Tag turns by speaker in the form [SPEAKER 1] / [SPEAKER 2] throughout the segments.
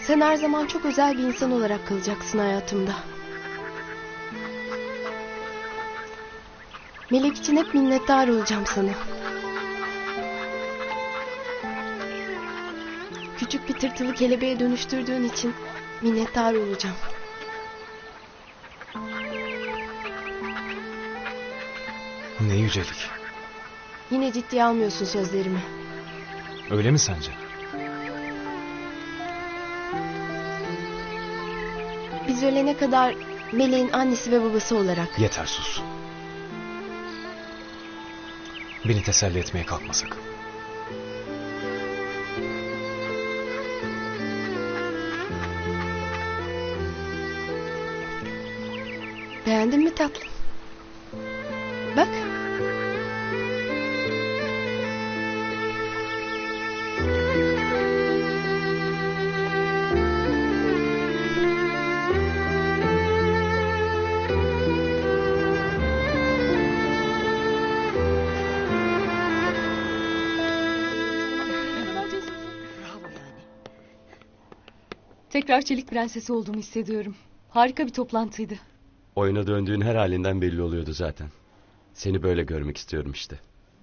[SPEAKER 1] Sen her zaman çok özel bir insan olarak kalacaksın hayatımda. Melek için hep minnettar olacağım sana. Küçük bir tırtılı kelebeğe dönüştürdüğün için minnettar olacağım.
[SPEAKER 2] Ne yücelik.
[SPEAKER 1] Yine ciddiye almıyorsun sözlerimi.
[SPEAKER 2] Öyle mi sence?
[SPEAKER 1] Biz ölene kadar Meleğin annesi ve babası olarak.
[SPEAKER 2] Yeter, sus. Beni teselli etmeye kalkma sakın.
[SPEAKER 1] Beğendin mi tatlım? Bak.
[SPEAKER 3] Tekrar Çelik Prensesi olduğumu hissediyorum. Harika bir toplantıydı.
[SPEAKER 4] Oyuna döndüğün her halinden belli oluyordu zaten. Seni böyle görmek istiyorum işte.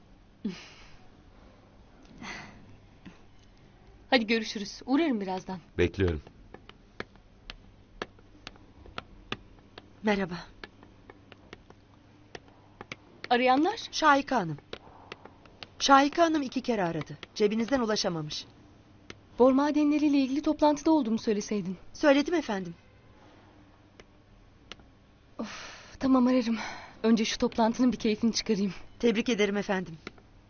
[SPEAKER 3] Hadi görüşürüz. Uğrarım birazdan.
[SPEAKER 4] Bekliyorum.
[SPEAKER 5] Merhaba.
[SPEAKER 3] Arayanlar?
[SPEAKER 5] Şahika Hanım. Şahika Hanım 2 kere aradı. Cebinizden ulaşamamış.
[SPEAKER 3] Bor madenleriyle ilgili toplantıda olduğumu söyleseydin.
[SPEAKER 5] Söyledim efendim.
[SPEAKER 3] Tamam, ararım. Önce şu toplantının bir keyfini çıkarayım.
[SPEAKER 5] Tebrik ederim efendim.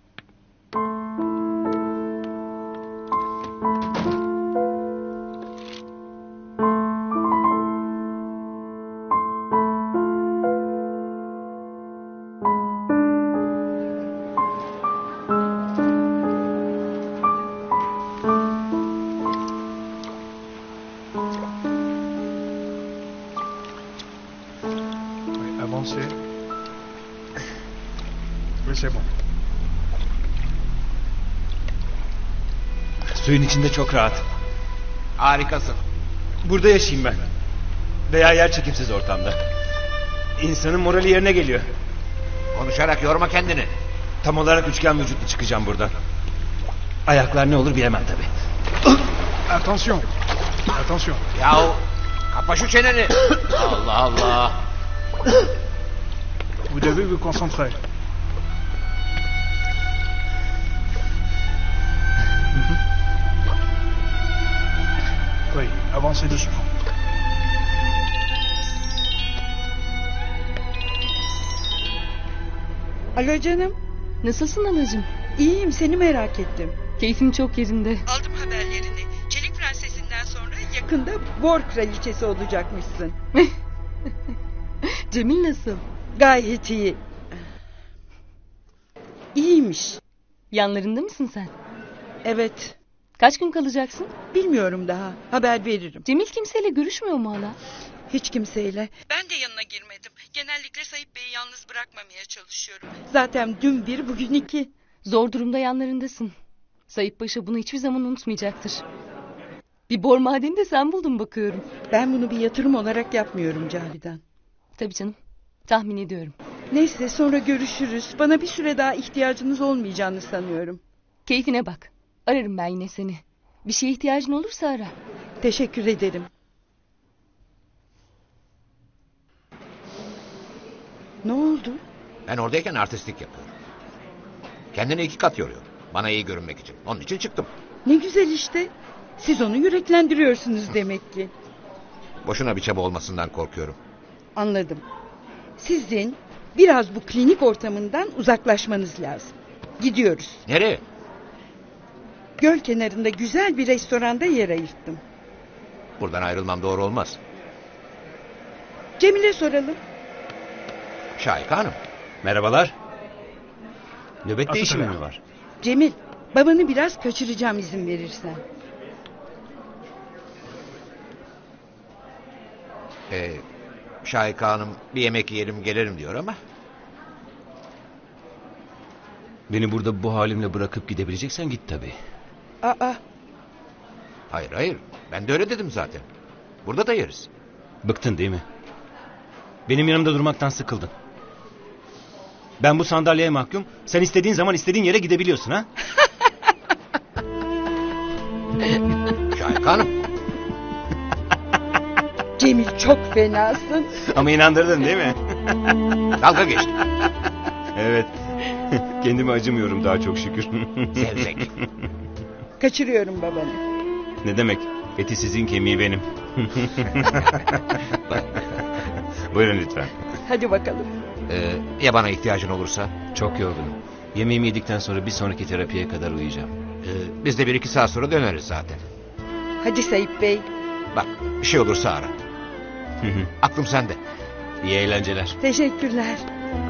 [SPEAKER 6] Avancez. Oui, c'est bon.
[SPEAKER 7] Suyun içinde çok rahat.
[SPEAKER 8] Harikasın.
[SPEAKER 7] Burada yaşayayım ben. Veya yer çekimsiz ortamda. İnsanın morali yerine geliyor.
[SPEAKER 8] Konuşarak yorma kendini.
[SPEAKER 7] Tam olarak üçgen vücutlu çıkacağım buradan. Ayaklar ne olur bilemem tabii.
[SPEAKER 6] Attention. Attention.
[SPEAKER 8] Yahu kapa şu çeneni. Allah Allah.
[SPEAKER 6] Vous devez vous concentrer. Oui, avancez doucement.
[SPEAKER 9] Alo canım.
[SPEAKER 3] Nasılsın anacığım?
[SPEAKER 9] İyiyim, seni merak ettim.
[SPEAKER 3] Keyfim çok yerinde.
[SPEAKER 9] Aldım haberlerini. Çelik Prensesi'nden sonra yakında Bor Kraliçesi olacakmışsın.
[SPEAKER 3] Cemil nasıl?
[SPEAKER 9] Gayet iyi. İyiymiş.
[SPEAKER 3] Yanlarında mısın sen?
[SPEAKER 9] Evet.
[SPEAKER 3] Kaç gün kalacaksın?
[SPEAKER 9] Bilmiyorum daha. Haber veririm.
[SPEAKER 3] Cemil kimseyle görüşmüyor mu hala?
[SPEAKER 9] Hiç kimseyle. Ben de yanına girmedim. Genellikle Sayıp Bey'i yalnız bırakmamaya çalışıyorum. Zaten dün bir, bugün 2.
[SPEAKER 3] Zor durumda yanlarındasın. Sayıp Paşa bunu hiçbir zaman unutmayacaktır. Bir bor madeni de sen buldun bakıyorum.
[SPEAKER 9] Ben bunu bir yatırım olarak yapmıyorum Cavidan.
[SPEAKER 3] Tabii canım. Tahmin ediyorum.
[SPEAKER 9] Neyse, sonra görüşürüz. Bana bir süre daha ihtiyacınız olmayacağını sanıyorum.
[SPEAKER 3] Keyfine bak. Ararım ben yine seni. Bir şeye ihtiyacın olursa ara.
[SPEAKER 9] Teşekkür ederim. Ne oldu?
[SPEAKER 8] Ben oradayken artistlik yapıyorum. Kendini 2 kat yoruyor. Bana iyi görünmek için. Onun için çıktım.
[SPEAKER 9] Ne güzel işte. Siz onu yüreklendiriyorsunuz demek ki.
[SPEAKER 8] Boşuna bir çaba olmasından korkuyorum.
[SPEAKER 9] Anladım. Sizin biraz bu klinik ortamından uzaklaşmanız lazım. Gidiyoruz.
[SPEAKER 8] Nereye?
[SPEAKER 9] Göl kenarında güzel bir restoranda yer ayırttım.
[SPEAKER 8] Buradan ayrılmam doğru olmaz.
[SPEAKER 9] Cemil'e soralım.
[SPEAKER 8] Şahika Hanım.
[SPEAKER 4] Merhabalar. Nöbet
[SPEAKER 6] Atı
[SPEAKER 4] değişimi
[SPEAKER 6] tabii.
[SPEAKER 4] mi var?
[SPEAKER 9] Cemil, babanı biraz kaçıracağım izin verirsen.
[SPEAKER 8] Şahika Hanım bir yemek yiyelim gelirim diyor ama.
[SPEAKER 4] Beni burada bu halimle bırakıp gidebileceksen git tabii.
[SPEAKER 9] Aa,
[SPEAKER 8] Hayır hayır. Ben de öyle dedim zaten. Burada da yeriz.
[SPEAKER 7] Bıktın değil mi? Benim yanımda durmaktan sıkıldın. Ben bu sandalyeye mahkum. Sen istediğin zaman istediğin yere gidebiliyorsun ha?
[SPEAKER 8] Şahika Hanım.
[SPEAKER 9] Cemil çok fenasın.
[SPEAKER 7] Ama inandırdın değil mi?
[SPEAKER 8] Dalga geçtim.
[SPEAKER 7] Evet. Kendime acımıyorum daha çok şükür.
[SPEAKER 8] Zevzek.
[SPEAKER 9] Kaçırıyorum babanı.
[SPEAKER 7] Ne demek? Eti sizin, kemiği benim. Buyurun lütfen.
[SPEAKER 9] Hadi bakalım.
[SPEAKER 8] Ya bana ihtiyacın olursa?
[SPEAKER 7] Çok yorgunum. Yemeğimi yedikten sonra bir sonraki terapiye kadar uyuyacağım.
[SPEAKER 8] Biz de 1-2 saat sonra döneriz zaten.
[SPEAKER 9] Hadi Sayıp Bey.
[SPEAKER 8] Bak bir şey olursa ara. Aklım sende.
[SPEAKER 7] İyi eğlenceler.
[SPEAKER 9] Teşekkürler.